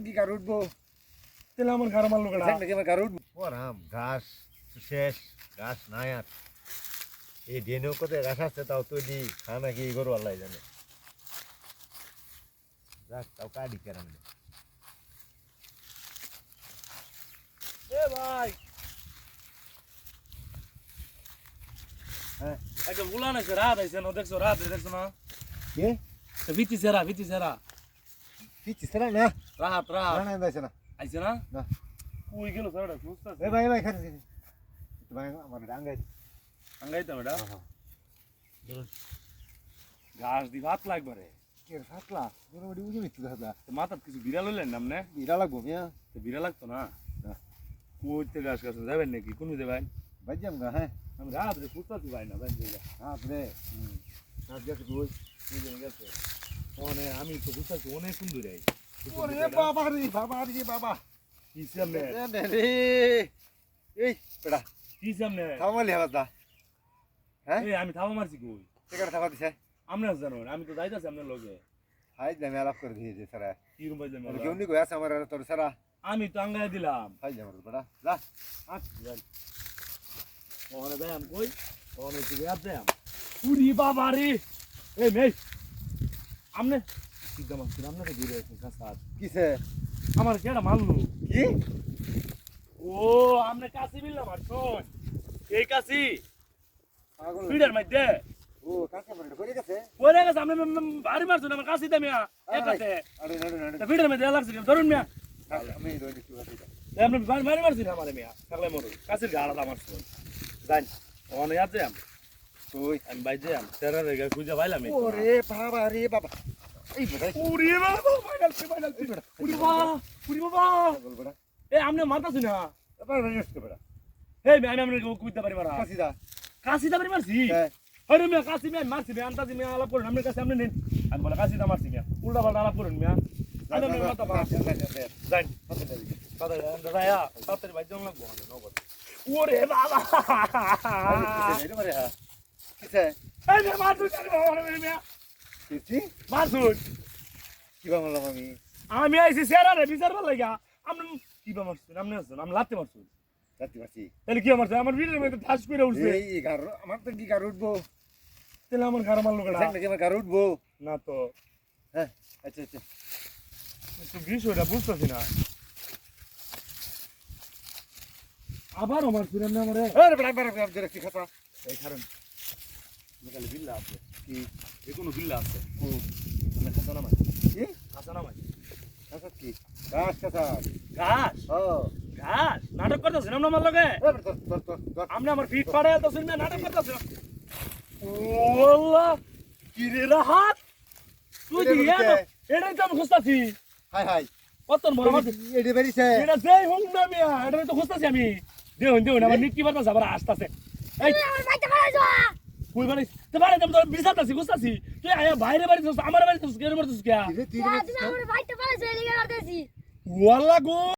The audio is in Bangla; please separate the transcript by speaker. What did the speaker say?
Speaker 1: কি কার উঠবো
Speaker 2: তাহলে আমার ঘর মারলো কেডা
Speaker 1: নাকি আমার কার উঠবো ওরাম ঘাস শেষ ঘাস নাই আর এই ডেনেও কোথায় ঘাস আছে তাও তৈরি খানা কি গরু আল্লাহ জানে যাক তাও কাটি কেরাম
Speaker 2: এ ভাই
Speaker 1: হ্যাঁ
Speaker 2: একটা উলান আছে রাত আইছে না দেখছো রাত দেখছো না
Speaker 1: কে
Speaker 2: ভিতি সেরা
Speaker 1: পিছি সেরা না
Speaker 2: রাত
Speaker 1: না দাইছে না
Speaker 2: আইছে না
Speaker 1: না
Speaker 2: কই গেল স্যারটা সুস্থ আছে
Speaker 1: এ ভাই ভাই খান তো ভাই আমার ডাঙ্গাই
Speaker 2: আঙ্গাইতাম এটা
Speaker 1: হ্যাঁ
Speaker 2: ঘাস দি ভাত লাগবে রে
Speaker 1: কে ফাটলা গরুড়ি উজি মিত্তু দাদা
Speaker 2: তো মাথার কিছু বিড়াল হইলেন নামনে
Speaker 1: বিরা লাগবো মিয়া
Speaker 2: তো বিড়াল লাগতো না
Speaker 1: না
Speaker 2: কইতে ঘাস ঘাস যাবেন নাকি কোন যাবেন
Speaker 1: বাজ্জাম গা হ্যাঁ
Speaker 2: আমি রাত রে সুস্থ আছি ভাই না ভাই
Speaker 1: আপনি সাত গেছে কই
Speaker 2: গেছে আমি তো সুস্থ আছি অনেক সুন্দর আই
Speaker 1: ওরে বাবা রে বাবা
Speaker 2: কি সামনে
Speaker 1: রে এই পেড়া
Speaker 2: কি সামনে
Speaker 1: থামালি হাবাদা হ্যাঁ
Speaker 2: এই আমি থাবা মারছি কই
Speaker 1: টিকাটা থামা দিছে
Speaker 2: আমরা জানো আমি তো যাইতাছি আপনার লগে
Speaker 1: হাই জামে আলাপ করে দিয়েছে সারা
Speaker 2: কি রুম বাইলে
Speaker 1: আর কেউ নি কই আছে আমার তোর সারা
Speaker 2: আমি তো আঙ্গাই দিলাম
Speaker 1: হাই জামার পেড়া যা
Speaker 2: আচ্ছা যাই ওরে ব্যায়াম কই ওরে কি ব্যায়াম দেম উরি বাবা রে এই মেই আমনে সিদ্ধা মাছ আমনে তো ঘুরে আছেন কাসাত
Speaker 1: কিসে
Speaker 2: আমার কেডা মারলো
Speaker 1: কি
Speaker 2: ও আমনে কাছি বিললাম আর শোন এই কাছি
Speaker 1: পাগল
Speaker 2: ফিডার মধ্যে
Speaker 1: ও কাছে পড়ে পড়ে গেছে
Speaker 2: পরে গেছে আমনে বাড়ি মারছো আমার কাছি দামিয়া একাতে
Speaker 1: আরে আরে
Speaker 2: তা ফিডার মধ্যে লাগছে ধরুন মিয়া
Speaker 1: আমি দই দিছি বাতি
Speaker 2: আপনি বাড়ি মারছি না আমারে মিয়া থাকলে মরু কাছির গাড়া আমার শোন জান ওনে আছে
Speaker 1: কই
Speaker 2: আমি বাইজে তেরা রেগা খুঁজে পাইলাম
Speaker 1: ওরে বাবা এই বেটা
Speaker 2: উরি বাবা ফাইনাল উরি বাবা
Speaker 1: পাগল বেটা
Speaker 2: এ আমনে মারতাছি না
Speaker 1: এবার রেস্ট বেটা
Speaker 2: এই আমি আমনে কুইতে পারি মারা
Speaker 1: কাছিদা
Speaker 2: কাশিদা পারি মারছি
Speaker 1: হ্যাঁ
Speaker 2: আরে মিয়া কাশি মিয়া মারছি মিয়া আন্তাজি মিয়া আলাপ করুন আমনে কাছে আমনে নেন আমি বলে কাশিদা মারছি মিয়া উল্টা পাল্টা আলাপ করুন মিয়া আমি আমনে মারতা পারা যাই দাদা ইয়া তাড়াতাড়ি বাইজে লাগবো নগদ ওরে বাবা
Speaker 1: এটা মারে হ্যাঁ কিসে
Speaker 2: এই মিয়া মারছুন ওরে মিয়া
Speaker 1: কিছি
Speaker 2: মারছুন
Speaker 1: কি বাংলাম
Speaker 2: আমি আইছি সেরা রে বিচার ভাল লাগা আমনে কি বা মারছুন আমনে আছেন আমি লাতে মারছুন
Speaker 1: রাতি বাসি
Speaker 2: তাহলে কি মারছে আমার ভিড়ের মধ্যে ঠাস করে উঠছে
Speaker 1: এই গার আমার তো কি গার উঠবো
Speaker 2: তাহলে আমার ঘর মারলো কেডা
Speaker 1: নাকি আমার গার উঠবো
Speaker 2: না তো
Speaker 1: হ্যাঁ আচ্ছা
Speaker 2: একটু বিষয়টা বুঝতেছি না আবার আমার ফিরেন না আমারে
Speaker 1: আরে বড় ধরে কি খাতা
Speaker 2: এই কারণ মেকালে বিল্লা আছে
Speaker 1: কি
Speaker 2: যে কোনো বিল্লা আছে
Speaker 1: ও
Speaker 2: আমি খাসা নামাই
Speaker 1: কি
Speaker 2: খাসা নামাই
Speaker 1: খাতা কি গাছ খাতা
Speaker 2: ঘাস
Speaker 1: ও
Speaker 2: ঘাস নাটক করতেছেন আমরা আমার লগে
Speaker 1: তোর
Speaker 2: আপনি আমার ফিট পাড়ে আছেন না নাটক করতেছেন ও আল্লাহ কি রে রাহাত তুই
Speaker 1: এটা
Speaker 2: কি
Speaker 1: বলছে?
Speaker 2: এটাই তো আমি খুঁজতাছি
Speaker 1: হাই
Speaker 2: কত বড় মাছ
Speaker 1: এডি বেরিছে
Speaker 2: এটা যেই হোক না মিয়া এটাই তো খুঁজতাছি আমি দেউন আমার নিকি বাতাস আবার আসতাছে এই
Speaker 3: আমার বাইতে পারাইছো
Speaker 2: কই বাড়ি তো বাড়ি তো বিছাতাছি খুঁজতাছি তুই আয়া বাইরে বাড়ি আমার বাড়ি তো কেন মারছিস কে
Speaker 1: তুই
Speaker 3: তুমি আমার বাইতে পারাইছো এলিগে করতেছি
Speaker 2: ওয়াল্লাহ গো